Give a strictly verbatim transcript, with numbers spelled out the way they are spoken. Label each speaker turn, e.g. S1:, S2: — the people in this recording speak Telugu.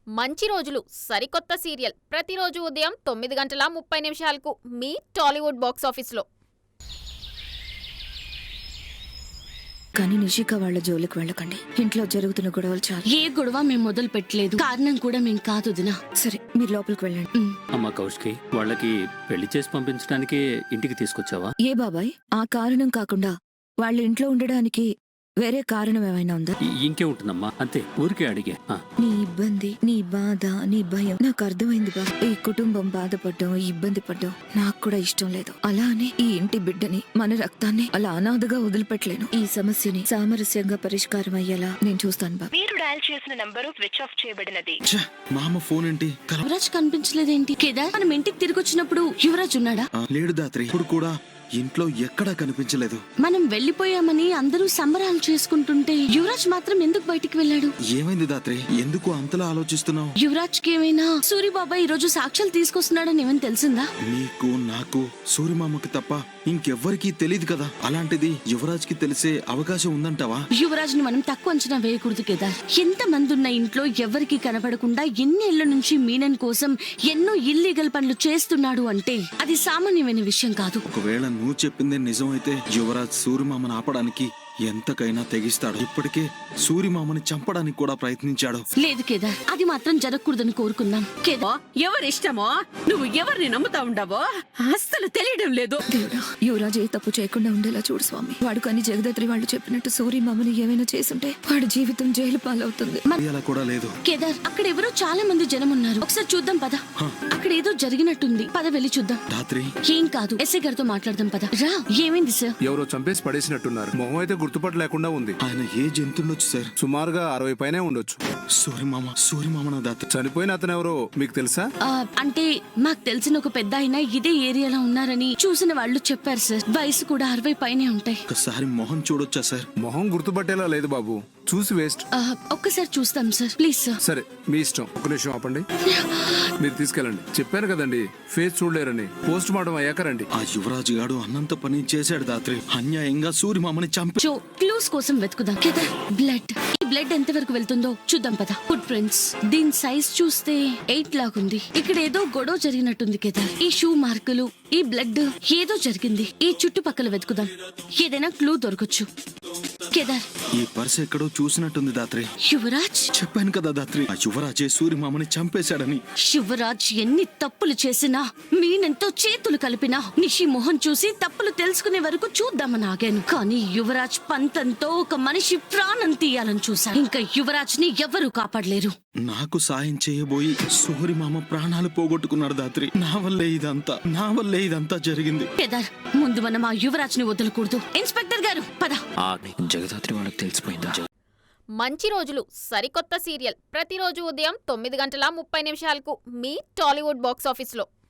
S1: మంచి రోజులు సరికొత్త సీరియల్ ప్రతిరోజు ఉదయం తొమ్మిది గంటల ముప్పై నిమిషాలకు మీ టాలీవుడ్ బాక్స్ ఆఫీస్లో.
S2: కానీ నిషిక వాళ్ళ జోలికి వెళ్ళకండి. ఇంట్లో జరుగుతున్న గొడవలు చాలు.
S3: ఏ గొడవ మేము మొదలు పెట్టలేదు. కారణం కూడా మేము కాదు దినా.
S2: సరే మీరు లోపలికి వెళ్ళండి.
S4: అమ్మ కౌశికి, వాళ్ళకి పెళ్లి చేసి పంపించడానికి ఇంటికి తీసుకొచ్చావా?
S2: ఏ బాబాయ్, ఆ కారణం కాకుండా వాళ్ళ ఇంట్లో ఉండడానికి వేరే కారణం ఏమైనా ఉందా?
S4: ఇంకే ఉంటుందమ్మా, అంతే, ఊరికే అడిగే.
S2: నీ ఇబ్బంది, నీ బాధ, నీ భయం నాకు అర్థమైంది బా. ఈ కుటుంబం బాధపడ్డం, ఇబ్బంది పడ్డం నాకు కూడా ఇష్టం లేదు. అలా అని ఈ ఇంటి బిడ్డని, మన రక్తాన్ని అలా అనాథగా వదిలిపెట్టలేను. ఈ సమస్యని సామరస్యంగా పరిష్కారం అయ్యేలా నేను చూస్తాను బా.
S5: మీరు డయల్ చేసిన నంబరు స్విచ్ ఆఫ్ చేయబడినది.
S6: మామ ఫోన్ ఏంటి?
S3: యువరాజ్ కనిపించలేదేంటి? కేదార్ మనం ఇంటికి తిరిగి వచ్చినప్పుడు యువరాజ్ ఉన్నాడా?
S6: లేడు దాత్రి, ఇప్పుడు కూడా ఇంట్లో ఎక్కడా కనిపించలేదు.
S3: మనం వెళ్లిపోయామని అందరూ సంబరాలు చేసుకుంటుంటే యువరాజ్ మాత్రం ఎందుకు బయటికి వెళ్ళాడు?
S6: ఏమైంది దాత్రి, ఎందుకు అంతలా ఆలోచిస్తున్నావు?
S3: యువరాజ్ కి ఏమైనా సూరిబాబా ఈ రోజు సాక్ష్యాలు తీసుకొస్తున్నాడని ఏమైనా తెలిసిందా?
S6: నీకు, నాకు, సూర్యమామకి తప్ప ఇంకెవ్వరికీ తెలియదు కదా. అలాంటిది యువరాజ్ కి తెలిసే అవకాశం ఉందంటావా?
S3: యువరాజ్ ని మనం తక్కువ అంచనా వేయకూడదు కేదార్. ఎంత మంది ఉన్న ఇంట్లో ఎవరికి కనబడకుండా ఎన్నేళ్ల నుంచి మీనన్ కోసం ఎన్నో ఇల్లీగల్ పనులు చేస్తున్నాడు అంటే అది సామాన్యమైన విషయం కాదు.
S6: ఒకవేళ నువ్వు చెప్పిందే నిజమైతే యువరాజ్ సూర్యమామని ఆపడానికి ఎంతకైనా తెగిస్తాడు. ఇప్పటికే సూర్యమామని చంపడానికి కూడా ప్రయత్నించాడు.
S3: లేదు కేదార్, అది మాత్రం జరగకూడదని కోరుకుందాం. కేదార్,
S7: ఎవరిష్టమో నువ్వు ఎవరిని నమ్ముతా ఉండవో అస్సలు తెలియడం లేదు.
S2: దేవుడా, యువరాజ్ ఏ తప్పు చేయకుండా ఉండేలా చూడు స్వామి. వాడు కానీ జగదాత్రి వాళ్ళు చెప్పినట్టు సూర్యమామని ఏమైనా చేసుంటే వాడి జీవితం జైలు పాలవుతుంది.
S6: అలా కూడా లేదు.
S3: కేదార్, అక్కడ ఎవరో చాలా మంది జనం ఉన్నారు. ఒకసారి చూద్దాం పద. అక్కడ ఏదో జరిగినట్టుంది, పద వెళ్ళి చూద్దాం.
S6: రాత్రి
S3: ఏం కాదు, ఎస్ఐ గారితో మాట్లాడదాం పద. రా. ఏమైంది సార్?
S8: ఎవరో చంపేసి పడేసినట్టున్నారు. మొహం అయితే గుర్తుపట్ట లేకుండా ఉంది.
S6: ఆయన ఏ జంతుండొచ్చు సార్?
S8: సుమారుగా అరవై పైనే ఉండొచ్చు.
S6: సూర్యమామ సూర్యమామ దాత్రి
S8: చనిపోయిన అతను ఎవరో మీకు తెలుసా?
S3: అంటే మాకు తెలిసిన ఒక పెద్ద ఆయన ఇదే ఏరియాలో ఉన్నారని చూసిన వాళ్ళు చెప్పారు సార్. వయసు కూడా అరవై పైనే ఉంటాయి.
S6: ఒకసారి మొహం చూడొచ్చా సార్?
S8: మొహం గుర్తుపట్టేలా లేదు బాబు, చూసి వేస్ట్.
S3: ఒక్కసారి చూస్తాం సార్, ప్లీజ్ సార్.
S8: సరే మీ ఇష్టం. ఒక నిమిషం ఆపండి, మీరు తీసుకెళ్ళండి. చెప్పాను కదండి, ఫేస్ చూడలేరని. పోస్ట్ మార్టం అయ్యాక రండి.
S6: ఆ యువరాజు గాడు అన్నంత పని చేశాడు దాత్రి. అన్యాయంగా సూర్యమామని చంపి
S3: క్లూస్ కోసం వెతుకుదాం. కేదార్, బ్లడ్. ఈ బ్లడ్ ఎంత వరకు వెళ్తుందో చూద్దాం పద. ఫుట్ ప్రింట్స్, దీని సైజ్ చూస్తే ఎయిట్ లాగుంది. ఇక్కడ ఏదో గొడవ జరిగినట్టుంది కేదార్. ఈ షూ మార్కులు, ఈ బ్లడ్, ఏదో జరిగింది. ఈ చుట్టుపక్కల వెతుకుదాం, ఏదైనా క్లూ దొరకచ్చు. కేదార్,
S6: ఈ పర్స్ ఎక్కడో చూసినట్టుంది దాత్రి.
S3: యువరాజ్,
S6: చెప్పాను కదా దాత్రి, ఆ యువరాజే సూర్యమామని చంపేశాడని.
S3: యువరాజ్ ఎన్ని తప్పులు చేసినా, మీనెంతో చేతులు కలిపినా నిషి మొహం చూసి తప్పులు తెలుసుకునే వరకు చూద్దామని ఆగాను. కానీ యువరాజ్ పంతంతో ఒక మనిషి ప్రాణం తీయాలని చూశాను. ఇంకా యువరాజ్ ని ఎవరూ కాపాడలేరు.
S6: నాకు సాయం చేయబోయి సూర్యమామ ప్రాణాలు పోగొట్టుకున్నాడు దాత్రి. నా వల్లే ఇదంతా నా వల్లే ఇదంతా జరిగింది.
S3: కేదార్, ముందు మనం ఆ యువరాజ్ ని వదలకూడదు. ఇన్స్పెక్టర్ గారు పద.
S4: జగదాత్రి వాళ్ళకి తెలిసిపోయిందా?
S1: మంచి రోజులు సరికొత్త సీరియల్ ప్రతిరోజు ఉదయం తొమ్మిది గంటల ముప్పై నిమిషాలకు మీ టాలీవుడ్ బాక్స్ ఆఫీస్లో.